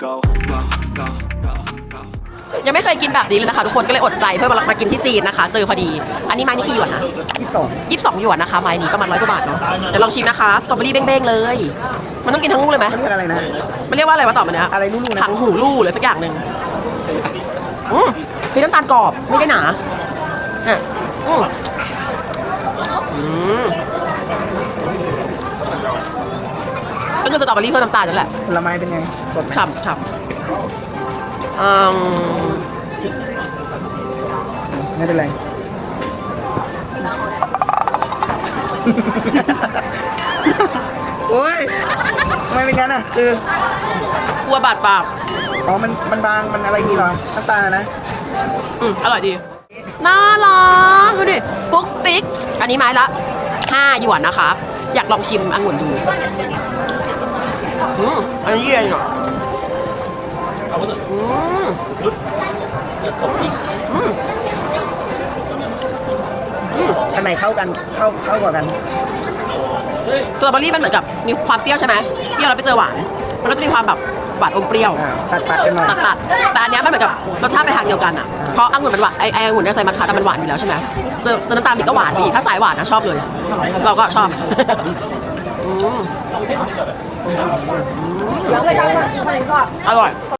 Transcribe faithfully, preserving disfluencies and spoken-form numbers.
go go go go go ยังไม่เคยกินแบบนี้เลยนะคะทุกคนก็เลยอดใจเพื่อมามากินที่จีนนะคะเจอพอดีอันนี้ไม้นี่กี่หยวนนะยี่สิบสองยี่สิบสองหยวนนะคะไม้นี้ประมาณร้อยกว่าบาทเนาะเดี๋ยวลองชิมนะคะสตรอเบอรี่เบ้งๆเลย มันต้องกินทั้งลูกเลยไหมเขาเรียกอะไรนะมันเรียกว่าอะไรวะต่อมาเนี้ยอะไรลู่ๆนะถังหูลู่เลยสักอย่างหนึ่งอืมพี่น้ำตาลกรอบไม่ได้หนาเนี่ยอืมอืมก็คือสตรอเบอรี่เพิ่มน้ำตาลนั่นแหละผลไม้เป็นไงสดไหมฉ่ำฉ่ำอืมไม่เป็นไร โอ้ยทำไมเป็นงั้นอ่ะคือกลัวบาดปากอ๋อมันมันบางมันอะไรนี่เหรอน้ำตาลอะนะอืมอร่อยดี น่ารักดูดิปุ๊กปิ๊ก อันนี้ไม้ละห้าหยวนนะคะ อยากลองชิมองุ่นดู อืมอันนี้เย็นอ่ะอืมอืมอันไหนเข้ากันเข้าเข้ากว่ากันสตรอเบอรี่มันเหมือนกับมีความเปรี้ยวใช่ไหมเปรี้ยวแล้วไปเจอหวาน มันก็จะมีความแบบหวานอมเปรี้ยวอ่าตัดตัดกันหน่อยตัดตัดแต่อันเนี้ยมันเหมือนกับรสชาติไปทางเดียวกันอ่ะ เพราะองุ่นมันหวานไอไอองุ่นเนี่ยใส่มัทฉะมันหวานอยู่แล้วใช่ไหมเจอเจอน้ำตาลอีกก็หวานดีถ้าสายหวานนะชอบเลย เราก็ชอบอืมอร่อย